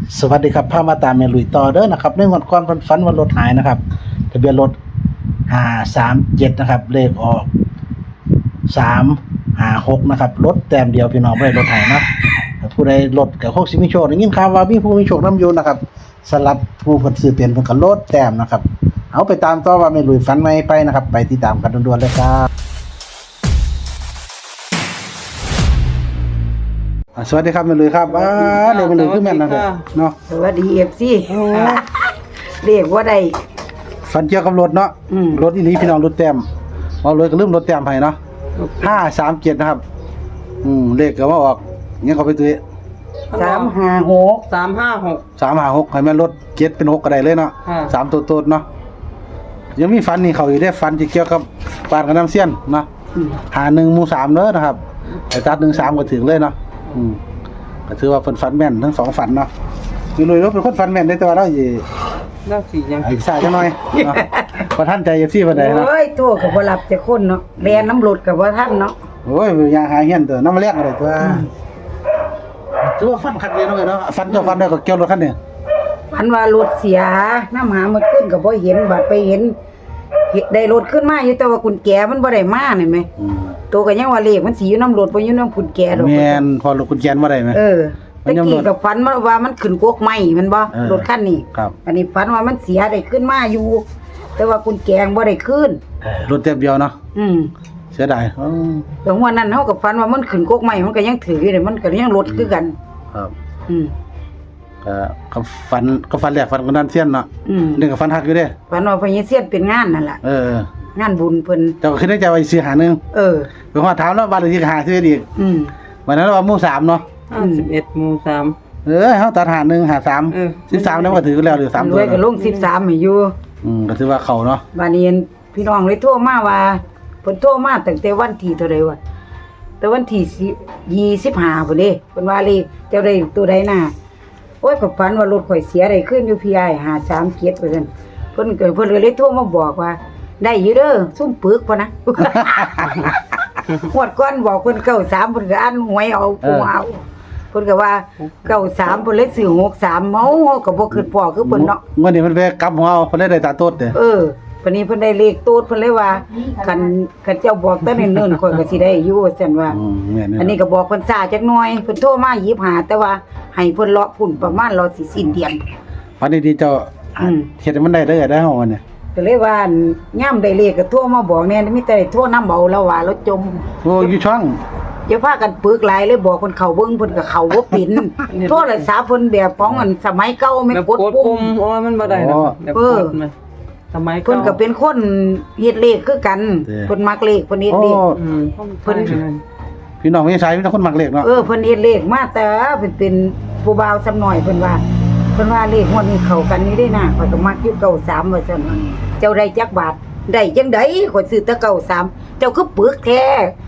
สวัสดีครับพามาตามเมลุยต่อเด้อนะครับในงวดก่อนฝันว่ารถหายนะครับทะเบียนรถ537นะครับเลขออก356นะครับรถแต้มเดียวพี่น้องบ่ได้รถหายนะผู้ใดรถก็คงสิมีโชคได้ยินข่าวว่ามีผู้มีโชคนำอยู่นะครับสลับผู้เพิ่นซื้อเปลี่ยนเพิ่นก็รถแต้มนะครับเอาไปตามต่อว่าเมลุยฝันใหม่ไปนะครับไปติดตามกันด่วนๆเลยครับสวัสดีครับเมลุยครับเดี๋ยวเมลุยคือแม่นนะครับเนาะสวัสดีFC เรียกว่าได้ฝันเกี่ยวกับรถเนาะรถอีหลีพี่น้องรถแต้มเอาเลยก็ลืมรถแต้มให้เนาะ537นะครับเลขก็ว่าออกยังเขาไปตื้อ 356 356ให้แม่นรถ7เป็น6ก็ได้เลยเนาะ3ตัวโตดเนาะยังมีฝันนี่เขาอยู่ได้ฝันที่เกี่ยวกับปานกับน้ำเสี้ยนเนาะ51หมู่3เด้อนะครับไอ้ตัด13ก็ถึงเลยเนาะก็ถือว่าเพิ่นฝันแม่นทั้งสองฝันเนาะอยู่เลยรถเป็นคนฝันแม่นได้แต่ว่าเราสิยังอีกสายจังหน่อยเนาะบ่ทันใจ FC เพิ่นได้เนาะโอ้ยโทรก็บ่รับแต่คนเนาะแล่นน้ำรถก็บ่ทันเนาะโอ้ยยางหาเฮียนตัวน้ำมาเรียกอะไรตัวถือว่าฟันคันเดียวเนาะฟันเจ้าฟันได้ก็เกี่ยวรถคันนี้พันว่ารถเสียน้ำหามาขึ้นก็บ่เห็นบัดไปเห็นได้รถขึ้นมาอยู่แต่ว่ากุญแจมันบ่ได้มานี่แหมตัวก็ยังว่าเลขมันสิอยู่น้ำรถบ่อยู่น้ำกุญแจดอกแม่นพอรถกุญแจบ่ได้มั้ยตะกี้ก็ฝันว่ามันขึ้นกกไม้มันบ่รถคันนี้ครับอันนี้ฝันว่ามันเสียได้ขึ้นมาอยู่แต่ว่ากุญแจบ่ได้ขึ้นรถเต็มเดียวเนาะเสียดายแต่ว่านั้นเฮาก็ฝันว่ามันขึ้นกกไม้มันก็ยังถืออยู่นี่มันก็ยังรถคือกันครับก็ฝันแรกฝันกับนั้นเสี้ยนเนาะนึงก็ฝันฮักอยู่เด้ฝันว่าพญเสี้ยนเป็นงานนั่นล่ะงานบุญเพิ่นเจ้าก็คิดในใจว่าสิหานึงไปฮอดถามแล้วบ้านเลขที่หาซื้ออีกวันนั้นว่าหมู่3เนาะ 11หมู่3 เฮาตัดหา1หา3 13แล้วก็ถือแล้วหรือ3ตัวด้วยก็ลง13ให้อยู่ก็ถือว่าเข้าเนาะบัดนี้พี่น้องเลยโทรมาว่าเพิ่นโทรมาตั้งแต่วันที่เท่าใดวะแต่วันที่25พุ่นเด้เพิ่นว่าเลยเจ้าได้ตัวใดน่ะโอ้ยก็ฝันว่ารถข่อยเสียได้ขึ้นอยู่พี่อ้าย537ว่าซั่นเพิ่นก็เลยโทรมาบอกว่าได้อยู่เด้อซุ่มปึกพุ่นนะงวดก่อนบอกเพิ่น93เพิ่นก็อ่านหวยเอาผู้เอาเพิ่นก็ว่า93เพิ่นเลยซื้อ63เมาก็บ่คิดพอคือเพิ่นเนาะมื้อนี้เพิ่นไปกลับหัวเอาเพิ่นได้ตาโตดเด้วันนี้เพิ่นได้เลขโตดเพิ่นเลยว่าคันเจ้าบอกแต่เนิ่นๆข่อยก็สิได้อยู่ซั่นว่าอันนี้ก็บอกเพิ่นช้าจักหน่อยเพิ่นโทรมา25แต่ว่าให้เพิ่นเลาะพุ่นประมาณรอสิสิ้นเดือนวันนี้ที่เจ้าเฮ็ดให้มันได้เด้อได้เฮาเนี่ยก็เลยว่ายามได้เลขก็โทรมาบอกแน่มีแต่โทรนำเอาแล้วว่าเราจมโอ้อยู่ช่องอย่าพากันปึกหลายเลยบอกเพิ่นเข้าเบิ่งเพิ่นก็เข้าบ่เป็นโทรศัพท์เพิ่นแบบของอันสมัยเก่าแม่กดปุ่มโอ้มันบ่ได้ดอกแบบกดมันสมัยเพิ่นก็เป็นคนเฮ็ดเลขคือกันเพิ่นมักเลขเพิ่นเฮ็ดเลขเพิ่นพี่น้องมีสายมีแต่คนมักเลขเนาะเพิ่นเฮ็ดเลขมาแต่เพิ่นเป็นผู้บ่าวซ้ำน้อยเพิ่นว่าเลขงวดนี้เข้ากันนี่ได้นะข้อยก็มักอยู่93ว่าซั่นเจ้าได้จักบาทได้จังได๋ข้อยซื้อแต่93เจ้าคือปึกแท้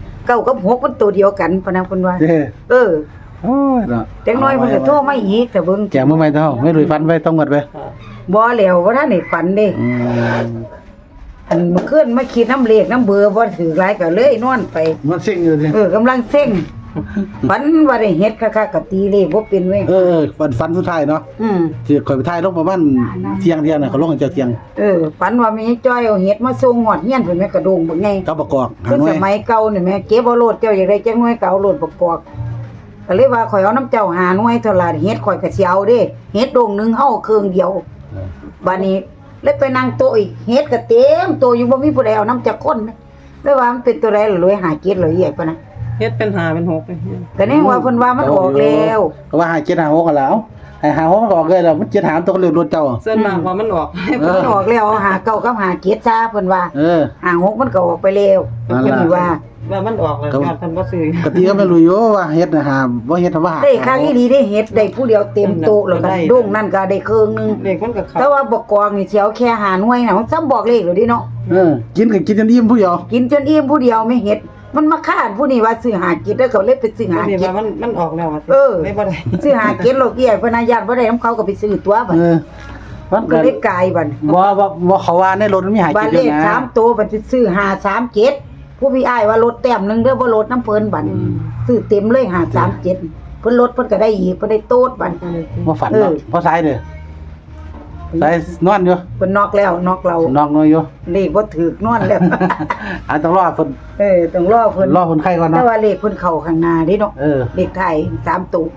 9กับ6มันตัวเดียวกันพะนะเพิ่นว่าโอ้ยเนาะจังน้อยเพิ่นก็โทรมาอีกแต่เบิ่งแจกมื้อใหม่เท่าไม่ลุยฟันไว้ต้องหมดไปบ่แล้วบ่ทันได้ฝันเด้อันเมื่อคืนมาคิดน้ำเลขน้ำเบอร์บ่ถือหลายก็เลยนอนไปมันเซ็งอยู่สิกำลังเซ็งฝันว่าได้เฮ็ดคักๆก็ตีเลขบ่เป็นเว้ยฝันสุดท้ายเนาะที่ข่อยไปถ่ายลงประมาณเที่ยงน่ะเขาลงกันเจ้าเที่ยงฝันว่ามีจ้อยเอาเฮ็ดมาส่งฮอดเฮียนเพิ่นแม่กระโดงบักไงกับประกอบหาหน่วยสมัยเก่านี่แม่เก็บเอาโลดเจ้าอยากได้จังหน่วยก็เอาโลดประกอบก็เลยว่าข่อยเอาน้ำเจ้าหาหน่วยเท่าล่ะเฮ็ดข่อยก็สิเอาเด้เฮ็ดโดงนึงเฮาเครื่องเดียวบัดนี้เลยไปนั่งโต๊ะอีกเฮ็ดก็เต็มโต๊ะอยู่บ่มีผู้ใดเอาน้ำจักคนเลยว่ามันเป็นตัวใดล่ะรวยหาเก็ดเลยใหญ่ปะนะเฮ็ดเป็น5เป็น6เลยก็แน่ว่าเพิ่นว่ามันออกแล้วก็ว่าหา7หา6กันแล้วให้หา6มันออกเลยแล้วมัน7หาตัวก็เลือกรถเจ้าส่วนมากว่ามันออกมันออกแล้วหาเก่ากับหาเก็ดซะเพิ่นว่าหา6มันก็ออกไปแล้วเพิ่นว่ามันออกแล้วยอดเพิ่นบ่ซื้อกะติก็ไม่รู้อยู่ว่าเฮ็ดน่ะหาบ่เฮ็ดว่าได้ครั้งอีหลีได้เฮ็ดได้ผู้เดียวเต็มโต๊ะแล้วก็โด่งนั่นก็ได้ครึ่งนึงเลขมันก็แต่ว่าบ่กองนี่สิเอาแค่หาหน่วยน่ะมันซ้ำบอกเลขแล้วดิเนาะกินก็กินจนอิ่มผู้เดียวกินจนอิ่มผู้เดียวไม่เฮ็ดมันมาคาดผู้นี้ว่าซื้อหากินแล้วเขาเลยไปซื้อหากินมันออกแล้วไม่บ่ได้ซื้อหากินโลกเอี้ยเพิ่นน่ะญาติบ่ได้นำเขาก็ไปซื้อตัวบัดมันก็เลยกลายบัดบ่เขาว่าในรถมันมีหากินอยู่นะบัดเลข3ตัวบัดสิซื้อ537ผู้พี่อ้ายว่ารถแต้มนึงเด้อบ่รถน้ำเพิ่นบัดซื้อเต็มเลย537 เพิ่นลดเพิ่นก็ได้อีกเพิ่นได้โต๊ดบัดบ่ฝันเนาะเพราะสายเด้อสายนอนอยู่เพิ่นนอกแล้วนอกเรานอนอยู่เลขบ่ถูกนอนแล้วต้องรอเพิ่นต้องรอเพิ่นรอเพิ่นไข้ก่อนแต่เนาะว่าเลขเพิ่นเข้าข้างหน้าเด้เนาะเลขไทย3ตัว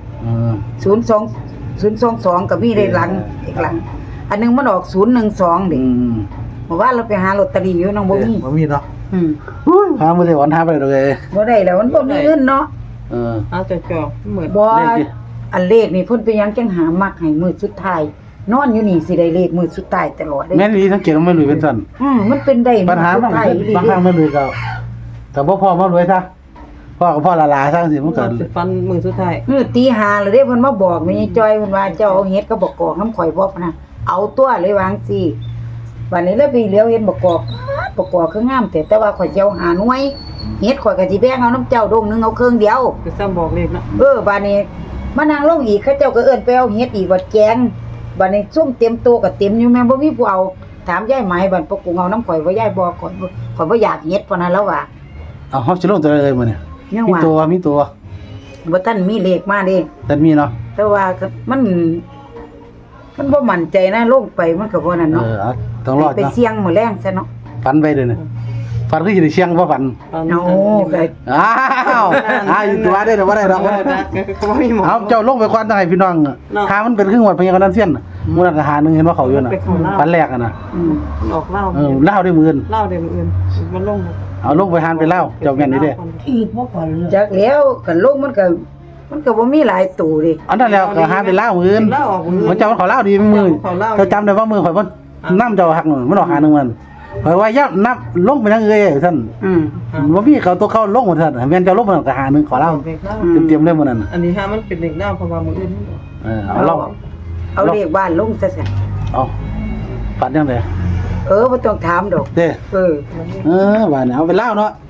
02022ก็มีเลขหลังอีกหลัง อันนึงมันออก012เด้เมื่อวานเราไปหาลอตเตอรี่อยู่น้องบ่มีบ่มีเนาะอุ้ยหาบ่ได้วันหาไปเลยบ่ได้แล้วมันบ่มีเงินเนาะเอาแต่จอเหมือนบ่เลขดิอันเลขนี่เพิ่นไปยังจังหามักให้มื้อสุดท้ายนอนอยู่นี่สิได้เลขมื้อสุดท้ายตลอดเลยแม่นอีสังเกตว่าไม่รวยเป็นซั่นมันเป็นได้ปัญหาบางมื้อสุดท้ยบางครั้งไม่รวยก็บ่พอมารวยซะพ่อก็พ่อละลาซะสิมันก็ฟันมือสุดท้ายมื้อตีห้าแล้วเด้เพิ่นมาบอกแม่ยายจ้อยเพิ่นว่าเจ้าเอาเฮ็ดกับบักกอกน้ำข่อยบ่พะนะเอาตัวเลยวาจั่งซี่บัดนี้เลยไปเหลียวเห็นบักกอกคืองามแต่ว่าข่อยสิเอาหาหน่วยเฮ็ดข่อยก็สิแบ่งเอาน้ำเจ้าดงนึงเอาเครื่องเดียวคือซ้ำบอกเลขนะบัดนี้มานั่งลงอีกเขาเจ้าก็เอิ้นไปเอาเฮ็ดอีกว่าแกงบัดนี้ซุ่มเต็มโตะก็เต็มอยู่แม่บ่มีผู้เอาถามยายไหมบัดปกกูเอาน้ำข่อยว่ายายบ่ข่อยบ่อยากเฮ็ดพะนะแล้วว่าเอาเฮาสิลงตัวเลยมื้อนี้ยังมีว่าตัวบ่ทันมีเลขมาเด้แต่มีเนาะแต่ว่าก็มันบ่มั่นใจนะลงไปมันก็บ่นั่นเนาะเอาต้องรอดไปเนาะเสี่ยงมื้อแรงซะเนาะฝันไปเด้อนี่ฝันคือสิได้เชียงบ่ฝันเอาก็อ้าวอยู่ตัวได้ดอกบ่ได้ดอกเขาไม่มีหมอเอาเจ้าลงไปก่อนจังให้พี่น้องหามันเป็นครึ่งวัดพญากันนั้นเสียนมื้อนั้นก็หานึงเห็นว่าเขาอยู่น่ะฝันแรกอ่ะน่ะออกเหล้าเล่าได้มื้ออื่นเหล้าเดี๋ยวอื่นมันลงเอาลงไปหานไปเล่าเจ้าแม่นนี่เด้จักแล้วกันลงมันก็บ่มีหลายตู่ดิอันนั้นแล้วก็หาไปเล่ามื้ออื่นเหล้าออกมือมันเจ้ามันขอเล่าดีมื้อเจ้าจำได้ว่ามื้อข่อยบ่นำเจ้าหักนู่นมันออกหานึงมันข่อยว่าอย่านับลงไปทางเอ้ยซั่นบ่มีเขาตัวเข้าลงหมดซั่นแม่นเจ้าลงมันก็หานึงขอเล่าเต็มๆเลยมื้อนั้นอันนี้ฮะมันเป็นเด็กเหล้าเพราะว่ามืออื่นเอาลองเอาเลขบ้านลงซะซะเอาฝันจังได๋บ่ต้องถามดอกเด้ว่าว่าเนี่ยเอาไปเล่าเนาะ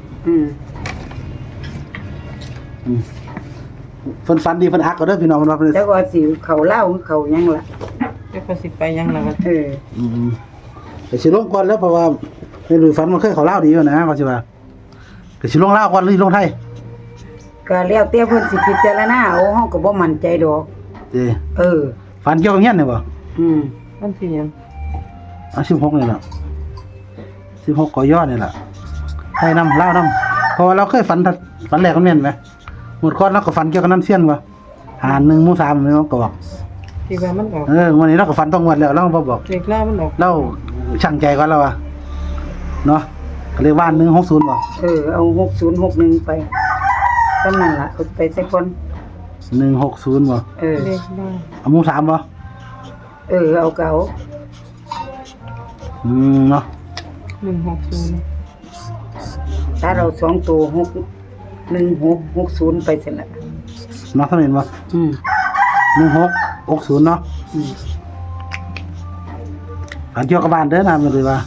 เพิ่นฝันดีเพิ่นฮักก็เด้อพี่น้องเพิ่นว่าเพิ่นแล้วก็สิเขาเล่าเขาหยังล่ะจะก็สิไปยังแล้วก็ก็สิลงก่อนแล้วเพราะว่าไม่รู้ฝันมันเคยเขาเล่าดีอยู่นะก็สิว่าก็สิลงเล่าก่อนหรือลงไทยก็แล้วแต่เพิ่นสิพิจารณาเอาเฮาก็บ่มั่นใจดอกเด้ฝันเกี่ยวกับเฮียนนี่บ่มันสิยังเอา16นี่ล่ะ16กยนี่ล่ะไทยนำลาวนํเพราะว่าเราเคยฝันแรกก็แม่นไหมหมดก่อนเราก็ฝันเกี่ยวกับน้ำเสียนว่าหา1หมู่3นี่ก็บอกที่ว่ามันออกวันนี้เราก็ฝันต้องงวดแล้วเราบ่บอกเด็กเหล้ามันออกเราช่างใจก่อนแล้วอ่ะเนาะก็เลยว่า160บ่เอา6061ไปเท่านั้นล่ะเอาไปสักคน 160บ่เด็กเหล้าเอาหมู่3บ่เอาเก่าเนาะ 160 ถ้าเรา2ตัว61660ไปซั่นล่ะเนาะเท่านั้นบ่1660เนาะอันเกี่ยวกับบ้านเด้อนะมันเลยว่า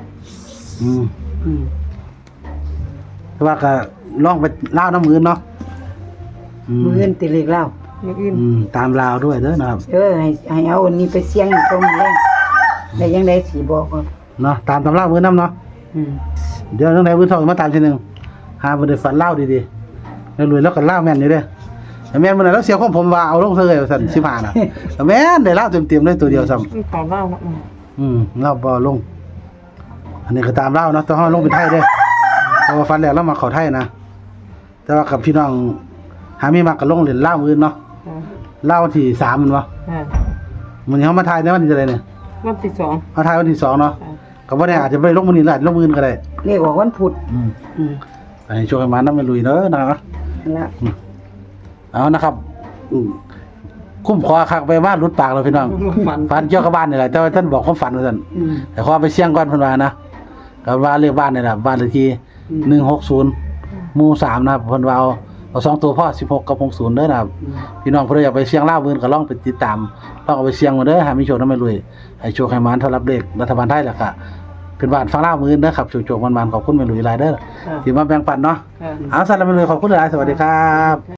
แต่ว่าก็ลองไปลาวน้ำมือเนาะมื้ออื่นติเลขเล่ามืออื่นตามลาวด้วยเด้อนะครับให้เอาอันนี้ไปเสี่ยงอีกตรงแรงได้ยังได้สิบอกว่าเนาะตามตำรามือน้ำเนาะเดี๋ยวจังไดมื้อเช้ามาตามทีนึงหาบ่ได้ฝันลาวดีๆแล้วรวยแล้วก็ลาวแม่นอยู่เด้อแต่แม่นมื้อนั้นแล้วเสียของผมว่าเอาลงเท่าไหร่ว่าซั่น15น่ะแต่แม่นได้ลาวเต็มๆเลยตัวเดียวซ้ำมันขอเหล้าละลาวบ่ลง อันนี้ก็ตามลาวเนาะแต่เฮาลงเป็นไทยเด้อเพราะว่าฝันแล้วเรามาเข้าไทยนะแต่ว่ากับพี่น้องหามีมักก็ลงเล่นลาวมื้ออื่นเนาะลาววันที่3มันบ่มื้อนี้เฮามาถ่ายในวันที่เท่าไหร่เนี่ยวันที่2 มาถ่ายวันที่2เนาะก็บ่ได้อาจจะบ่ได้ลงมื้อนี้อาจจะลงมื้ออื่นก็ได้เลขออกวันพุธให้ช่วยมานำไปลุยเด้อนะครับนั่นล่ะเอานะครับคุ้มคอคักไปบ้านรุดปากเราพี่น้องฝันเกี่ยวกับบ้านนี่แหละแต่ว่าท่านบอกความฝันว่าซั่นแต่ขอไปเสี่ยงก่อนเพิ่นว่านะก็ว่าเลขบ้านนี่แหละบ้านเลขที่160หมู่3นะครับเพิ่นว่าเอา2ตัวพ่อ16กับ60เด้อนะครับพี่น้องเพิ่นอยากไปเสี่ยงลาวมื้อก็ลองไปติดตามลองเอาไปเสี่ยงมาเด้อให้มีโชคนำไปลุยให้โชคให้มานเท่ารับเลขรัฐบาลไทยแล้วก็เป็นบ้านฟังลาวมื้อเด้อครับโชคๆมันๆขอบคุณแม่ลุยหลายเด้อที่มาแบ่งปันเนาะเอาซั่นแล้วแม่ลุยขอบคุณหลายสวัสดีครับ